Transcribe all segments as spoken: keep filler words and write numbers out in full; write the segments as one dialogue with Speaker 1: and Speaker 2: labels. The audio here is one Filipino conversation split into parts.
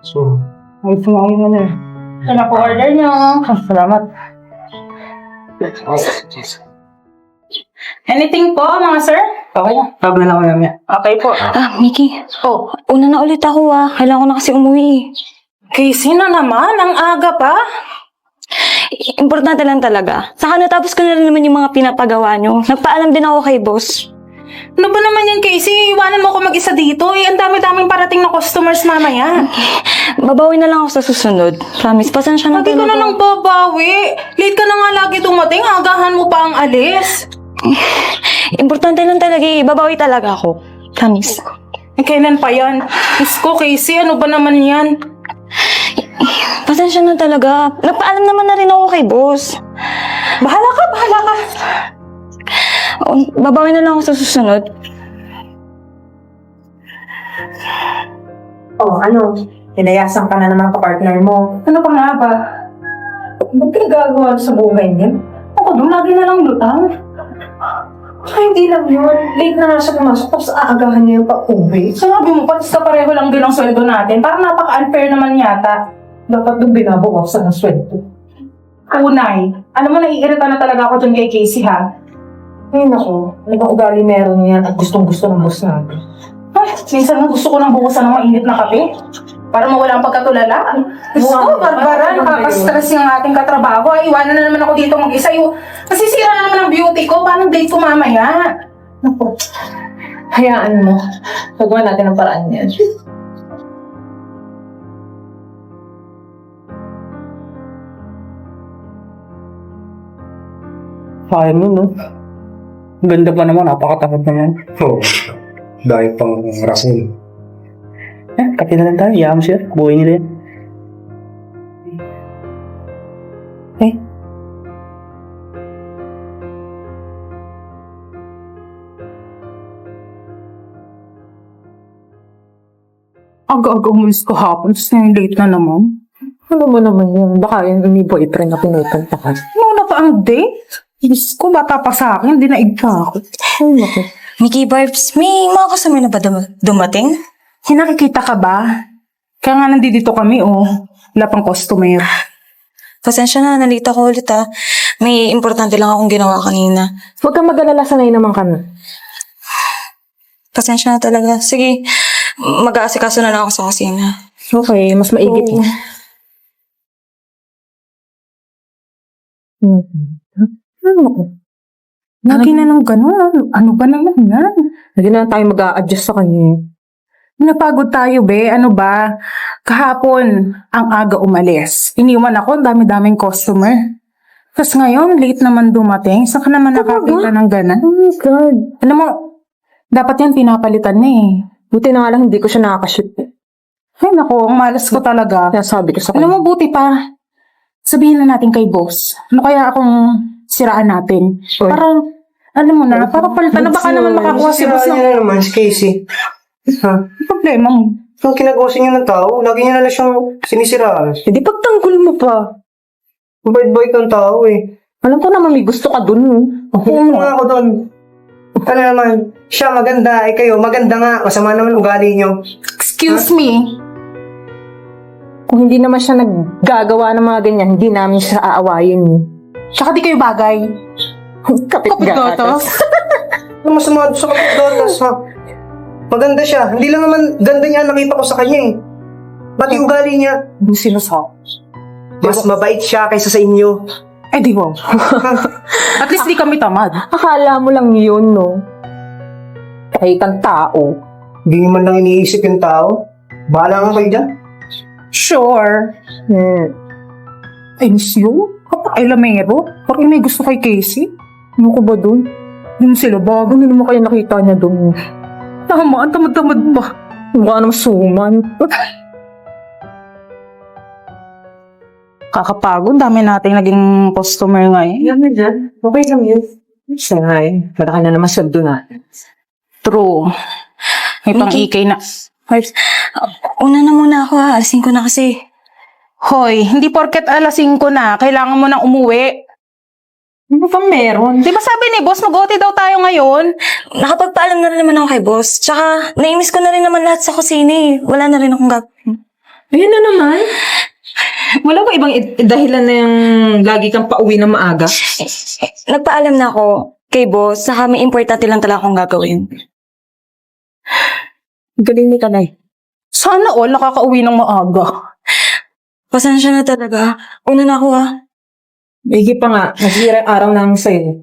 Speaker 1: So,
Speaker 2: Ay, sumayin mo na eh. Ito na po order niyo. Ah, salamat.
Speaker 1: oh, jeez.
Speaker 2: Anything po, mga sir?
Speaker 1: Okay na. Tawag na lang ako namin.
Speaker 2: Okay po.
Speaker 3: Ah, Mickey.
Speaker 2: Oh,
Speaker 3: Una na ulit ako ah. Kailangan ko na kasi umuwi.
Speaker 2: Casey na naman. Ang aga pa.
Speaker 3: Importante lang talaga. Saka natapos ko na rin naman yung mga pinapagawa nyo. Nagpaalam din ako kay boss.
Speaker 2: Ano ba naman yan, Casey? Iwanan mo ako mag-isa dito. Eh, ang dami-daming parating na customers mamaya.
Speaker 3: Babawi na lang ako sa susunod. Promise, pasensya na
Speaker 2: Lagi ka
Speaker 3: talaga.
Speaker 2: na nang babawi. Late ka na nga lagi dumating. Agahan mo pa ang alis.
Speaker 3: Importante lang talaga eh. Babawi talaga ako. Promise.
Speaker 2: Eh, kailan pa yan? Diyos ko, Casey. Ano ba naman yan?
Speaker 3: Pasensya na talaga. Nagpaalam naman na rin ako kay boss.
Speaker 2: Bahala ka, bahala ka.
Speaker 3: Oh, babawi na lang ako sa susunod.
Speaker 4: Oh, ano? Nilayasan ka na naman kapartner mo.
Speaker 2: Ano pa nga ba?
Speaker 4: Ba't ka gagawa sa buhay niya?
Speaker 2: Ako doon, lagi na lang lutang.
Speaker 4: Ay, hindi lang yun. Late na nga siya pumasok, tapos aagahan niya yung pa-uwi.
Speaker 2: Sabi mo, patis ka pareho lang din ang sweldo natin. Parang napaka-unfair naman yata.
Speaker 4: Dapat doon binabawasan ang sweldo.
Speaker 2: Unay, alam mo, naiirita na talaga ako dyan kay Casey, ha?
Speaker 4: Ay, naku. Anong ugali meron niyan at gustong-gusto ng boss natin.
Speaker 2: Ay, minsan nga gusto ko nang buhusan ng mainit na kape. Para mawala ang pagkatulala. Gusto ko, Barbara, nakaka-stress yung ating katrabaho. Ay, iwanan na naman ako dito mag-isa. Yung, nasisira na naman ang beauty ko. Paano date ko mamaya?
Speaker 4: Naku. Hayaan mo. Pagawa natin ang paraan niyan.
Speaker 1: Sayang yun, no? Ang ganda pa naman. Napakatapad naman.
Speaker 5: Oo. Dahil pang rason.
Speaker 1: Eh, kape na lang tayo. Iyaan mo siya. Buhay nila yan. Eh.
Speaker 2: Aga-aga umalis ko hapon. Tapos na late na naman.
Speaker 4: Ano mo naman yun? Baka yung may boyfriend na pinupunta ka.
Speaker 2: Ano pa ang date? Diyos ko, bata pa sa akin. Dinaig pa ako.
Speaker 4: Ay, naku.
Speaker 3: Mickey Barbs, may mga kasama na ba dum- dumating?
Speaker 2: Hinakikita ka ba? Kaya nga nandito kami, oh. Wala pang customer.
Speaker 3: Pasensya na, nalita ko ulit ah. May importante lang akong ginawa kanina.
Speaker 4: Huwag kang mag-alala, sanay naman ka na.
Speaker 3: Pasensya na talaga. Sige, mag-aasikaso na lang ako sa kusina.
Speaker 4: Okay, mas maigit
Speaker 3: Oo.
Speaker 4: eh. Hmm. Ano ko?
Speaker 2: Lagi na nang gano'n. Ano ba naman yan?
Speaker 4: Hindi na tayo mag-a-adjust sa kanya.
Speaker 2: Napagod tayo, be. Ano ba? Kahapon, ang aga umalis. Iniwan ako, ang dami-daming customer. Tapos ngayon, late naman dumating. Saan ka naman nakakita ng ganan?
Speaker 4: Oh my God.
Speaker 2: Alam mo, dapat yan pinapalitan na eh.
Speaker 4: Buti na nga lang hindi ko siya nakakashoot.
Speaker 2: Ay nako, ang malas ko talaga.
Speaker 4: Kaya sabi ko sa
Speaker 2: Alam
Speaker 4: kanya.
Speaker 2: mo, buti pa. Sabihin na natin kay boss. Ano kaya akong siraan natin?
Speaker 4: Oy.
Speaker 2: Parang, alam mo na, para palitan na baka naman makakuha si boss
Speaker 5: Sira
Speaker 2: ng
Speaker 5: niya na naman si Casey. Ha?
Speaker 2: problema mo.
Speaker 5: Yung kinagawasin niya ng tao, lagi niya na lang siyang sinisiraan.
Speaker 4: Eh di pagtanggol mo pa.
Speaker 5: Bait-bait ng tao eh.
Speaker 4: Alam ko naman may gusto ka dun.
Speaker 5: Oo nga ako doon. Ano naman, siya maganda, eh kayo maganda nga, masama naman ugali niyo.
Speaker 2: Excuse me.
Speaker 4: Kung hindi naman siya naggagawa ng mga ganyan, hindi namin siya aawayin.
Speaker 2: Tsaka di kayo bagay.
Speaker 4: Kapit
Speaker 2: Kapit gatas.
Speaker 5: Ano masama sa kapit gatas ha? Maganda siya. Hindi lang naman ganda niya nakita ko sa kanya eh. Ba't yung ugali niya?
Speaker 2: Ano sinasabi?
Speaker 5: Mas mabait siya kaysa sa inyo.
Speaker 2: Eh di ba? At least di kami tamad.
Speaker 4: Akala mo lang yun, no? Kahit ang tao.
Speaker 5: Hindi man lang iniisip yung tao. Bahala nga kayo dyan.
Speaker 2: Sure.
Speaker 4: Hmm.
Speaker 2: Ay, siyo? Kapakailamero? Parang may gusto kay Casey.
Speaker 4: Ano ko ba dun?
Speaker 2: Yun sila bago.
Speaker 4: Ano naman kayo nakita niya dun?
Speaker 2: Tama, ang tamad-tamad pa.
Speaker 4: Mukha naman suman.
Speaker 2: Kakapagod. Dami nating naging customer ngayon.
Speaker 4: Yan na dyan. Okay lang yun. Sangay. Malaki na naman sweldo natin.
Speaker 2: True. May pang-ikay na.
Speaker 3: Barbs, uh, una na muna ako ha. Alisin ko na kasi.
Speaker 2: Hoy, hindi porket alas singko na, kailangan mo nang umuwi.
Speaker 4: Ano pa meron?
Speaker 2: Di ba sabi ni boss, mag-O T daw tayo ngayon?
Speaker 3: Nakapagpaalam na rin naman ako kay boss. Tsaka, naimis ko na rin naman lahat sa kusina eh. Wala na rin akong gagawin.
Speaker 4: Ayun na naman. Wala ba ibang i- dahilan na yung lagi kang pauwi ng maaga?
Speaker 3: Nagpaalam na ako kay boss, saka may importante lang talaga akong gagawin.
Speaker 4: Galing ni Kanay.
Speaker 2: Sana all nakakauwi ng maaga.
Speaker 3: Pasensya na talaga. Una na ako ah.
Speaker 4: Higi pa nga, naghihirang araw na ang sa'yo.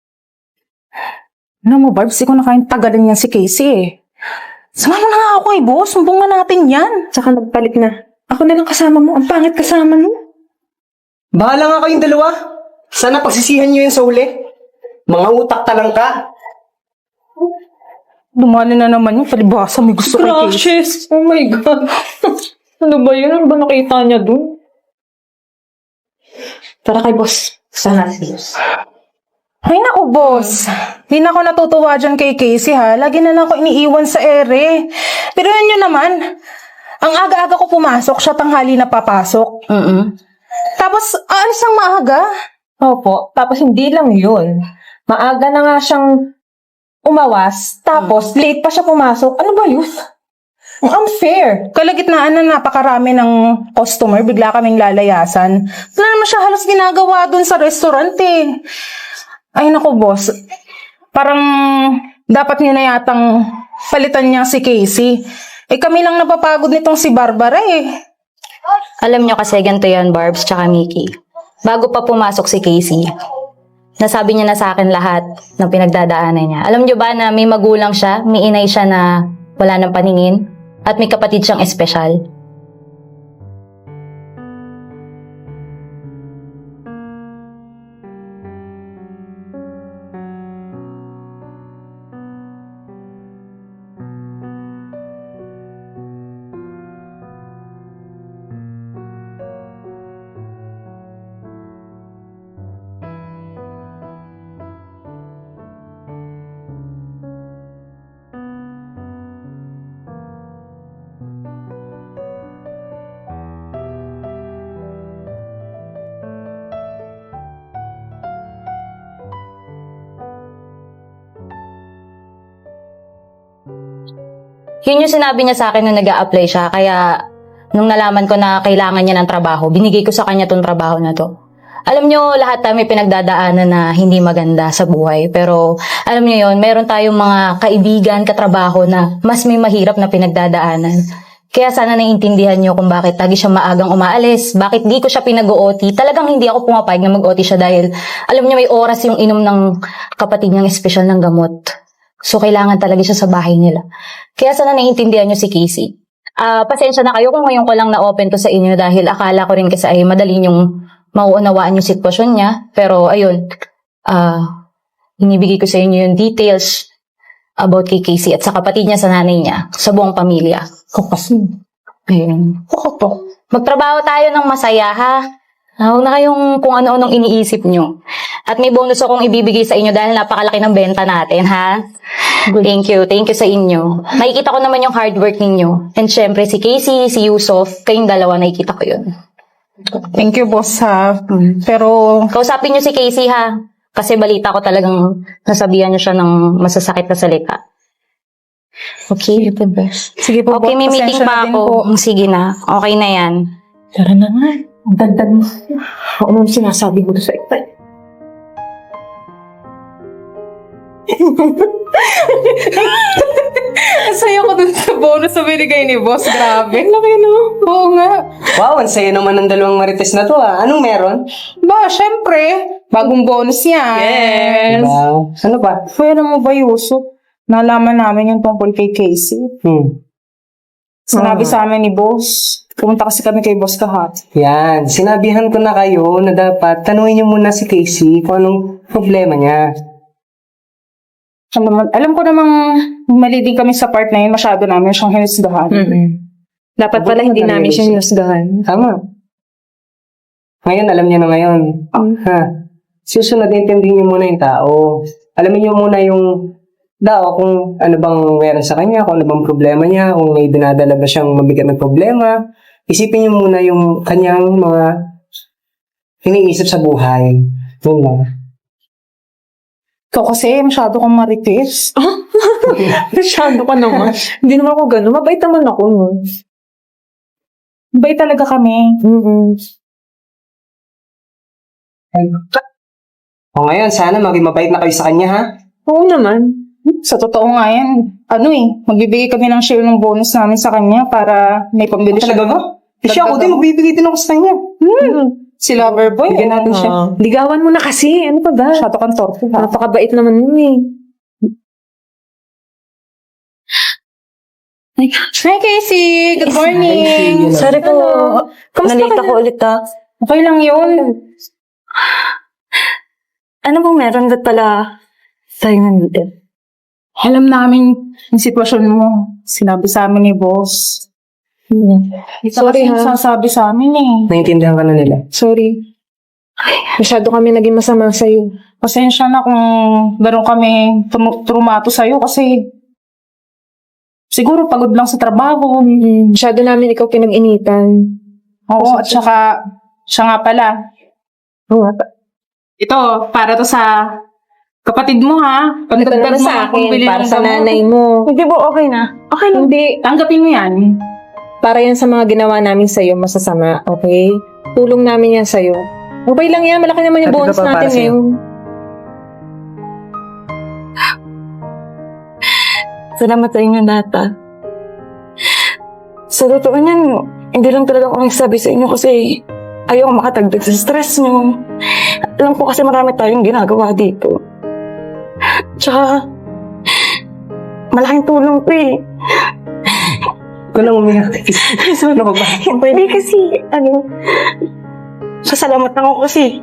Speaker 2: Ano mo, Barbs, di ko na kayang tagalin yan si Casey eh. Sumama na nga ako kay boss, sumbungan natin yan.
Speaker 4: Tsaka nagpalit na. Ako na lang kasama mo. Ang pangit kasama mo.
Speaker 5: Bahala nga kayong dalawa. Sana pagsisihan nyo yun sa huli. Mga utak talang ka.
Speaker 2: Dumali na naman yung palibasa, may gusto kay Casey.
Speaker 4: Crushes! Oh my God. Ano ba yun? Ano ba nakita niya dun? Tara kay boss. Sana si boss.
Speaker 2: Ay naku, boss. Hindi na ako natutuwa dyan kay Casey ha. Lagi na lang ako iniiwan sa ere. Pero yan yun naman. Ang aga-aga ko pumasok, siya tanghali na papasok.
Speaker 3: Mm
Speaker 2: Tapos, aalis ang maaga.
Speaker 4: Opo. Tapos hindi lang yun. Maaga na nga siyang umawas. Tapos late pa siya pumasok. Ano ba yun? Ang unfair.
Speaker 2: Kalagitnaan na napakarami ng customer, bigla kaming lalayasan. Wala naman siya halos ginagawa dun sa restaurant eh. Ay naku, boss. Parang dapat niyo na yatang palitan niya si Casey. Eh kami lang napapagod nitong si Barbara eh.
Speaker 6: Alam nyo kasi ganito yan, Barbs tsaka Mickey. Bago pa pumasok si Casey, nasabi niya na sa akin lahat ng pinagdadaanan niya. Alam nyo ba na may magulang siya, may inay siya na wala ng paningin, at may kapatid siyang espesyal? Yun yung sinabi niya sa akin nung nag apply siya. Kaya, nung nalaman ko na kailangan niya ng trabaho, binigay ko sa kanya tong trabaho na to. Alam nyo, lahat tayo may pinagdadaanan na hindi maganda sa buhay. Pero, alam nyo yun, meron tayong mga kaibigan, katrabaho na mas may mahirap na pinagdadaanan. Kaya sana naiintindihan nyo kung bakit lagi siya maagang umaalis, bakit di ko siya pinag-O T. Talagang hindi ako pumapayag na mag-O T siya dahil, alam nyo, may oras yung inom ng kapatid niyang espesyal ng gamot. So, kailangan talaga siya sa bahay nila. Kaya sana naiintindihan nyo si Casey. Ah, pasensya na kayo kung ngayon ko lang na-open to sa inyo dahil akala ko rin kasi ay madali yung mauunawaan yung sitwasyon niya. Pero, ayun, ah, inibigay ko sa inyo yung details about kay Casey at sa kapatid niya, sa nanay niya, sa buong pamilya.
Speaker 4: Ako kasi.
Speaker 6: Ayun.
Speaker 4: Ako to.
Speaker 6: Magtrabaho tayo ng masaya, ha? Huwag na kayong kung ano-anong iniisip nyo. At may bonus akong ibibigay sa inyo dahil napakalaki ng benta natin, ha? Thank you. Thank you sa inyo. Nakikita ko naman yung hard work ninyo. And syempre, si Casey, si Yusuf, kayong dalawa, nakikita ko yun.
Speaker 2: Thank you, boss ha. Pero,
Speaker 6: Kausapin nyo si Casey, ha? Kasi balita ko talagang nasabihan nyo siya ng masasakit na salita. Okay?
Speaker 2: sige po,
Speaker 6: Okay,
Speaker 2: boss,
Speaker 6: may meeting
Speaker 2: pasensya na
Speaker 6: pa
Speaker 2: din
Speaker 6: ako.
Speaker 2: po.
Speaker 6: Sige na. Okay na yan.
Speaker 4: Tara na nga. Ang dagdag mo. Ako nung sinasabi mo sa ito.
Speaker 2: Saya ko dun sa bonus na binigay ni boss. Grabe. Laki no? Oo nga.
Speaker 5: Wow, ang saya naman ng dalawang marites na to ah. Anong meron?
Speaker 2: Ba, syempre. Bagong bonus yan.
Speaker 5: Wow. Ano ba?
Speaker 2: Pwede mo ba, Yusuf? Nalaman namin yung tungkol kay Casey.
Speaker 5: Hmm.
Speaker 2: Sinabi sa amin ni boss. Pumunta kasi kami kay boss kahapon.
Speaker 5: Yan. Sinabihan ko na kayo na dapat tanungin niyo muna si Casey kung anong problema niya.
Speaker 2: Alam, alam ko namang mali din kami sa part na yun. Masyado namin siyang hinusgahan.
Speaker 4: Dapat pala hindi namin siya hinusgahan.
Speaker 5: Tama. Ngayon, alam niya na ngayon. Ha? Susunod, intindihin niyo muna yung tao. Alamin niyo muna yung tao kung ano bang meron sa kanya, kung ano bang problema niya, kung may dinadala ba siyang mabigat na problema. Isipin niyo muna yung kanyang mga iniisip sa buhay. Yun lang.
Speaker 2: Ikaw kasi masyado kang marites.
Speaker 4: Masyado ka naman. Hindi naman ako gano'n. Mabait naman ako. No?
Speaker 2: Bay talaga kami.
Speaker 4: Mm-mm.
Speaker 5: O ngayon, sana maging mabait na kayo sa kanya, ha?
Speaker 4: Oo naman.
Speaker 2: Sa totoo nga yan, ano eh, magbibigay kami ng share ng bonus namin sa kanya para may pambili siya.
Speaker 5: Talaga ba? Eh, siya ako din, magbibigay din ako sa kanya.
Speaker 2: Si Loverboy.
Speaker 5: Bigyan natin siya.
Speaker 4: Ah, ligawan mo na kasi. Ano pa ba?
Speaker 2: Shato kang torpe ha.
Speaker 4: Napakabait naman yun eh.
Speaker 2: Hi Casey! Good morning!
Speaker 3: Sorry po.
Speaker 4: Kamusta
Speaker 3: Nalita
Speaker 4: ka na?
Speaker 3: ko ulit ah.
Speaker 2: Okay lang yun.
Speaker 3: Ano bang meron ba't pala tayo nandito?
Speaker 2: Alam namin yung sitwasyon mo. Sinabi sa amin ni boss. Ito
Speaker 4: Sorry,
Speaker 2: kasi
Speaker 4: ha?
Speaker 2: sasabi sa amin eh.
Speaker 5: Naintindihan ka na nila.
Speaker 4: Sorry. Masyado kami naging masama sa'yo.
Speaker 2: Pasensya na kung gano'n kami tum- trumato sa'yo kasi siguro pagod lang sa trabaho.
Speaker 4: Masyado namin ikaw pinag-initan.
Speaker 2: Oo, at saka siya nga pala.
Speaker 4: Oo nga.
Speaker 2: Ito, para to sa kapatid mo ha.
Speaker 4: Ito
Speaker 2: Pagdagdag
Speaker 4: naman
Speaker 2: mo
Speaker 4: sa
Speaker 2: ang
Speaker 4: akin,
Speaker 2: pambili
Speaker 4: para
Speaker 2: ng
Speaker 4: sa
Speaker 2: gamot.
Speaker 4: nanay mo.
Speaker 3: Hindi po, okay na. Okay lang.
Speaker 4: Hindi.
Speaker 2: Tanggapin mo yan.
Speaker 4: Para yan sa mga ginawa namin sa'yo, masasama, okay? Tulong namin yan sa'yo. Okay lang yan, malaki naman yung
Speaker 5: Sabi ko
Speaker 4: bonus
Speaker 5: pa, para
Speaker 4: natin
Speaker 5: sa'yo.
Speaker 4: ngayon.
Speaker 3: Salamat sa inyo lahat ah. Sa totoo niyan, hindi lang talaga ako nagsabi sa inyo kasi ayaw makatagdag sa stress nyo. Alam ko kasi marami tayong ginagawa dito. Tsaka, malaking tulong to eh.
Speaker 5: Ikaw lang umiyak. Ano ka ba?
Speaker 3: Pwede kasi, ano, sasalamat ako kasi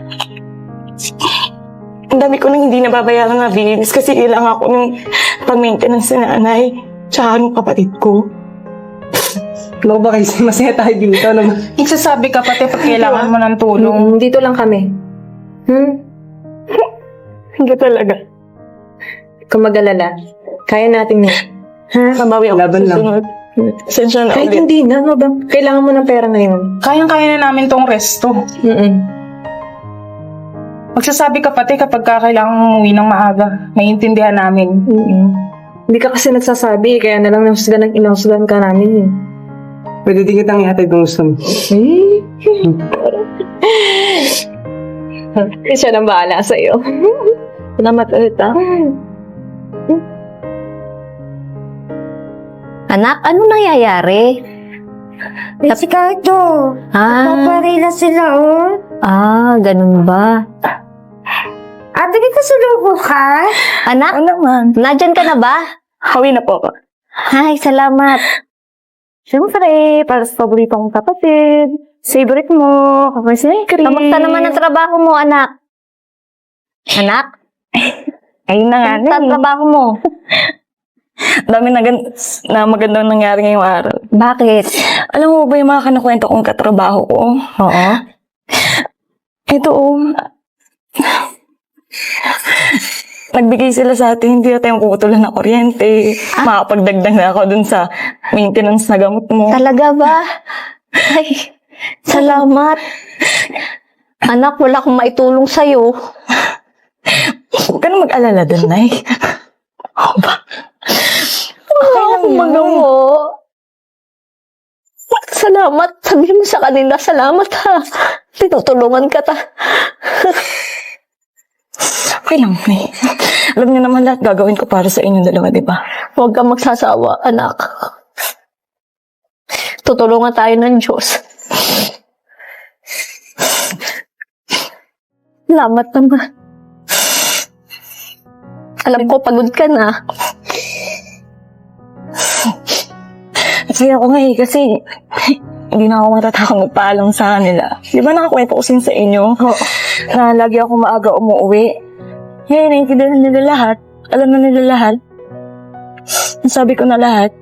Speaker 3: ang dami ko nang hindi nababayaran na bills kasi kailangan ako ng pag-maintenance sa nanay tsaka ng kapatid ko.
Speaker 5: Ano ka ba kayo? Masaya tayo dito. Ano ba?
Speaker 2: Nagsasabi ka pati pag kailangan mo ng tulong.
Speaker 4: Mm, dito lang kami. Hmm?
Speaker 3: Hindi talaga.
Speaker 4: Kung mag-alala, kaya natin yan. Ha?
Speaker 3: Mabawi ako
Speaker 5: Laban
Speaker 3: sa
Speaker 5: lang.
Speaker 3: sunod. Sensya na
Speaker 4: Kahit
Speaker 3: ulit.
Speaker 4: hindi na, no ba? Kailangan mo ng pera ngayon.
Speaker 2: Kayang-kaya na namin tong resto.
Speaker 4: Mm-mm.
Speaker 2: Magsasabi ka pati kapag ka kailangan mong umuwi ng maaga. Naiintindihan namin.
Speaker 4: Mm-mm. Hindi ka kasi nagsasabi, kaya na lang nahusgan ng inahusgan ka namin. eh.
Speaker 5: Pwede din kitang ihatid kung gusto mo.
Speaker 4: Eh? Siya nang bahala sa'yo.
Speaker 3: Salamat ulit ah.
Speaker 7: Anak, ano nangyayari?
Speaker 8: Si Cardo,
Speaker 7: Ah,
Speaker 8: paparila sila, oh.
Speaker 7: ah, ganun ba?
Speaker 8: Ate, may kasulubong ka?
Speaker 7: Anak,
Speaker 3: Ano naman?
Speaker 7: nandyan ka na ba?
Speaker 3: Hawi na po ako.
Speaker 7: Hi, salamat.
Speaker 3: Siyempre, para sa paborito kong kapatid. Favorite mo. Kapag si Chris.
Speaker 7: Kamusta naman ang trabaho mo, anak? Anak,
Speaker 3: Ayun na nga
Speaker 7: kamusta ang
Speaker 3: na
Speaker 7: trabaho mo?
Speaker 3: Dami na, gan- na magandang nangyari ngayong araw.
Speaker 7: Bakit?
Speaker 3: Alam mo ba yung mga kanakwento kong katrabaho ko?
Speaker 7: Oo.
Speaker 3: Ito oh. Nagbigay sila sa atin, hindi na tayong puputulan ng kuryente. Makapagdagdag na ako dun sa maintenance na gamot mo.
Speaker 7: Talaga ba? Ay, salamat. Anak, wala akong maitulong sa'yo.
Speaker 3: Huwag ka na mag-alala dun, Nay.
Speaker 7: Wala akong magawa. Salamat. Sabihin mo sa kanila, salamat ha. Tinutulungan ka ta.
Speaker 3: Okay lang, Nay. Alam niyo naman lahat gagawin ko para sa inyong dalawa, di ba?
Speaker 7: Huwag kang magsasawa, anak. Tutulungan tayo ng Diyos. Salamat naman. Alam ko, pagod ka na.
Speaker 3: Kasi ako nga eh, kasi hindi na ako matatakang magpaalam sa kanila. Di ba nakakwento ko sin sa inyo? Na lagi ako maaga umuwi. Ngayon, naiintindihan nila lahat. Alam na nila lahat. Nasabi ko na lahat.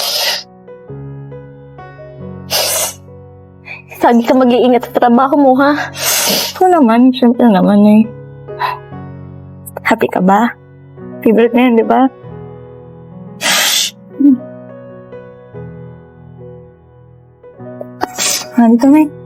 Speaker 7: Lagi ka mag-iingat sa trabaho mo, ha?
Speaker 3: Ito naman, syempre naman eh. Happy ka ba? Favorite na yan, di ba? Hmm. Ah, dito na eh.